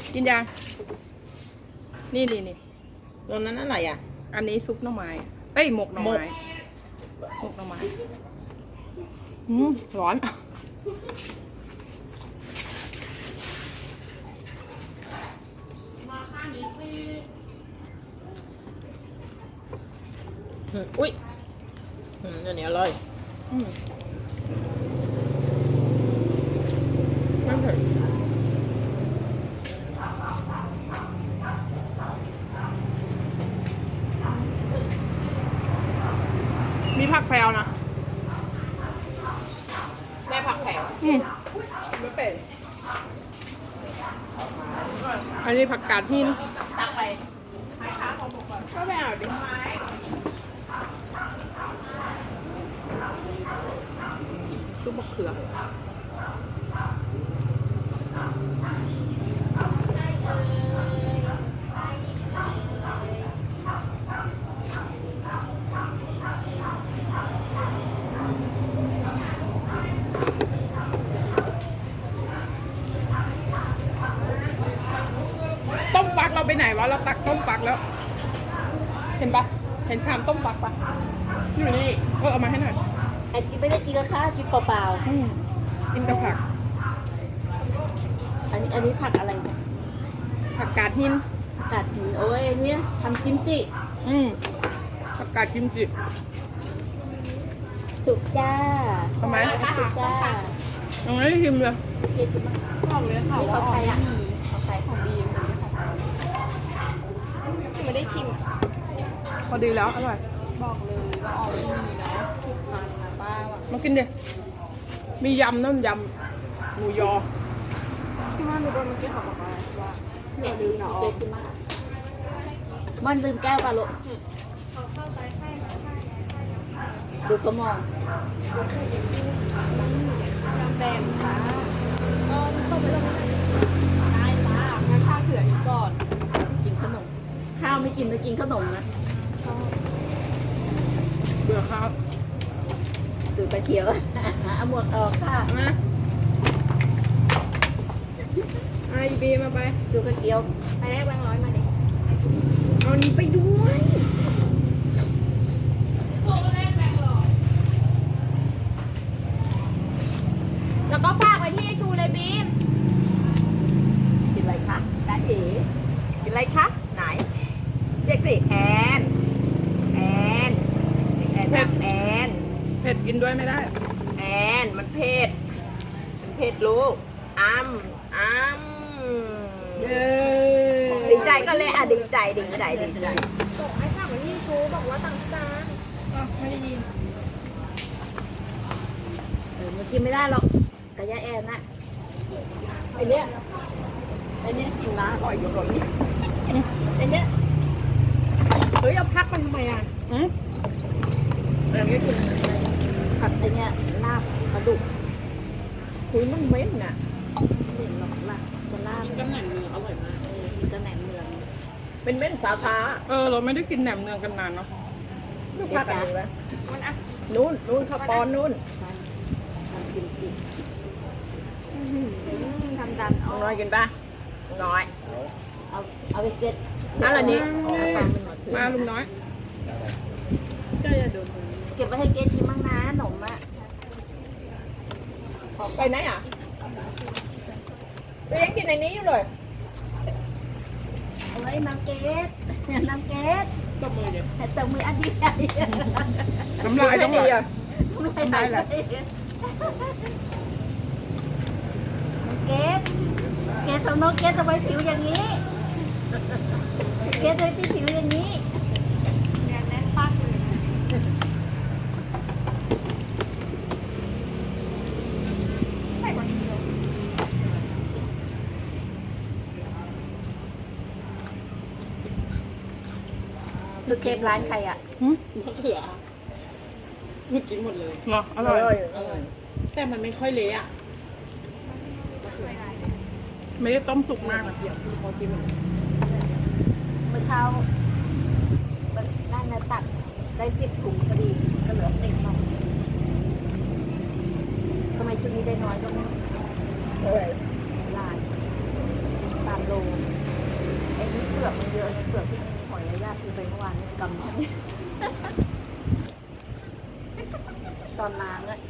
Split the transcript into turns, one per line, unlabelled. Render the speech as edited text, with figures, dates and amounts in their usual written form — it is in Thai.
กินยังนี่
ตรงนั้นอะไรอ่ะ
อันนี้ซุปหน่อไม้เอ้ยหมกหน่อไม้หมกหน่อไม้ร้อน
อุ้ยอันนี้อร่อย
ไม่เผ็ดมีผักแพรวนะ
แม่ผักแผ่ว
ไม่เป็นอันนี้ผักกาดหิน
ตักไป
ก็ไม่เอาดิซุปมะเขือต้มฟักเราไปไหนวะเราตักต้มฟักแล้ว เห็นปะเห็นชามต้มฟักปะอยู่นี่เอามาให้หน่อย
ไอ้กินไม่ได้กินกับข้าวกินเปล่า
กินกับผัก
ๆอันนี้ผักอะไรเนี่ย
ผักกาดหิน
ผักกาดหินโอ้ยอันเนี้ยทำกิมจิ
ผักกาดกิมจิ
สุกจ้า
ทำไม
สุกจ้า
ยังไม่ได้ชิมเลย
เผ็ดมาก
บอกเลยค่ะว่า
ของใครอ่ะของใครของบีม
ไม่ได้ชิมพอดีแล้วอร่อย
บอกเลยว่าออกไม่มีเนาะทุกพันนะป้าว่ะ
มากินดิมียำน้ำยำหมูยอ
ที่ว่ามีคนเมื่อกี้เขาบอกว่าอย่าลืมนะออ
เผ็
ก
ดมากมันลืมแก้วปลาลูกดูกระมอง
แบนค่ะก็ต้มไปแล้วได้จ้างั้นข้าวเผื่อนี้ก่อน
กินขนมข้าวไม่กินแต่กินขนมนะ
ชอบ
เบื่อข้าว
ดูกระเทียวเอาหมวกออกค่ะ
มาไอบีมาไป
ดูกระเทียว
ไปแรกแบงค์ร้อยมาดิ
เอานี้ไปด้วย
แล้วก็ฝากไว้ที่ชูเลยบีม
กินอะไรคะจ้าเอ๋
กินอะไรคะไหนเรียกสิแอนแอนแอนแอน
เผ็ดกินด้วยไม่ได้
แอนมันเผ็ดลูกอ้ำ
เย้
ดีใจก็เลยอ่ะดีใจ
บอกให้ฝากไว้ที่ชูบอกว่าต่างจาน
ไม่ได้ยิน
มันกินไม่ได้หรอกกระยาแอนน่ะ
ไอเนี้ยกินนะอร่อยอยู่กว่านี้
ไอ้เนี้ย
เฮ้ยเอาพักมันทำไมอ่ะ
แบบนี้กินผัดไอ้เนี้ยลาบปลาดุก
คุยมันเหม็นอ่ะ
เห็นหรอกล่ะจะลาบ
กำแหน่งเนื้ออร่อยมาก
กินกระแหน่งเมือง
เป็นเม่นสาขา
เราไม่ได้กินแหนมเนืองกันนานเนาะ
ลูกพักกันอยู่แล้วนู่นข้าวปอนนู่น
ทำกิมจิ
ทำดัน
น้อยกินป่ะน้อย
เอาไปเจ็ด
นั่นอันนี้
มาลุงน้อย
ก็จะโดน
เก็บไว้ให้เกดกินบ้างนะขนมอ่ะ
ไปไหนอ่ะไปยังกินในนี้อยู่เลย
เอาไว้น้ำเกดน้ำเกด
ตบมือเดี๋ยว
แต่ตบมืออันดีใหญ่
น้ำลายต้องไหล
ไม่ไหลเลยเกดทำน้องเกดทำไมผิวอย่างนี้เกดทำไมผิวอย่างนี้
แน่นแน่นปักเลย
ซื้อเคปร้านใครอ่ะไม่เขีย
กินหมดเลย
เนาะอร่อย
แต่มันไม่ค่อยเละอ่ะ
ไม่ได้ต้มสุกมากนะ
พอกินหมด
เมื่อเช้านั่นนะตัดได้10 ถุงพอดีก็เหลือเต็มหน่อยทำไมชุดนี้ได้น้อยก็ไม่รู้ลาย3 โลอยเลยญาติกินไปเมื่อวานนี้กำนี้ตอนนางอะ